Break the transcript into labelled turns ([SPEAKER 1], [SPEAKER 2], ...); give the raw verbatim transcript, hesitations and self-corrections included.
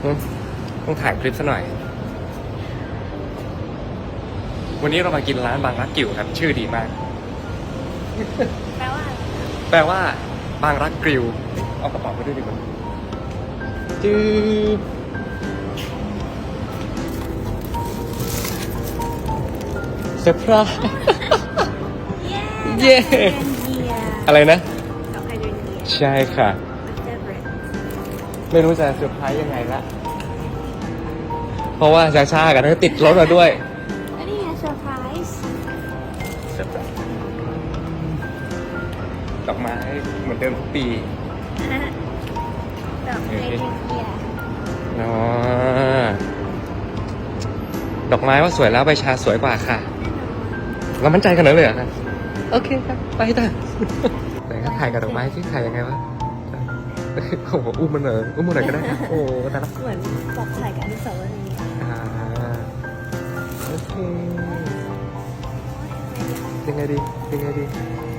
[SPEAKER 1] ต้องถ่ายคลิปซะหน่อยวันนี้เรามากินร้านบางรักกิ่วครับชื่อดีมาก
[SPEAKER 2] แปลว่าอะไร
[SPEAKER 1] แปลว่าบางรักกริวเอากระเป๋าไปด้วยดีกว่าจืบเซอร์ไพรส์ เย้ อะไรนะ
[SPEAKER 2] ดอกไฮเดรนเยีย
[SPEAKER 1] ใช่ค่ะ
[SPEAKER 2] เจอร์เบรด
[SPEAKER 1] ไม่รู้จะเซอร์ไพรส์ยังไงละเพราะว่าชาชาๆกันก็ติดรถมาด้วย
[SPEAKER 2] อันนี้ไงเซอร์ไพรส์
[SPEAKER 1] เซอร์ไพรส์ดอกไม้เหมือนเดิมทุกปี
[SPEAKER 2] ดอกไฮเดรนเยีย
[SPEAKER 1] อ๋อดอกไม้ว่าสวยแล้วใบชาสวยกว่าค่ะเรามั่นใจขนาดนั้นเลยเหรอคะโอเคครับไปต่อไหนก็ถ่ายกับดอกไม้ที่ถ่ายยังไงวะโอ้โหอุ้มมันเหรออุ้มมันหน่อยก็ได้นะโอ้แต่ละ
[SPEAKER 2] เหมือนปอกถ่ายกับอนุสาวรีย์
[SPEAKER 1] อ่าโอเคยังไงดียังไงดี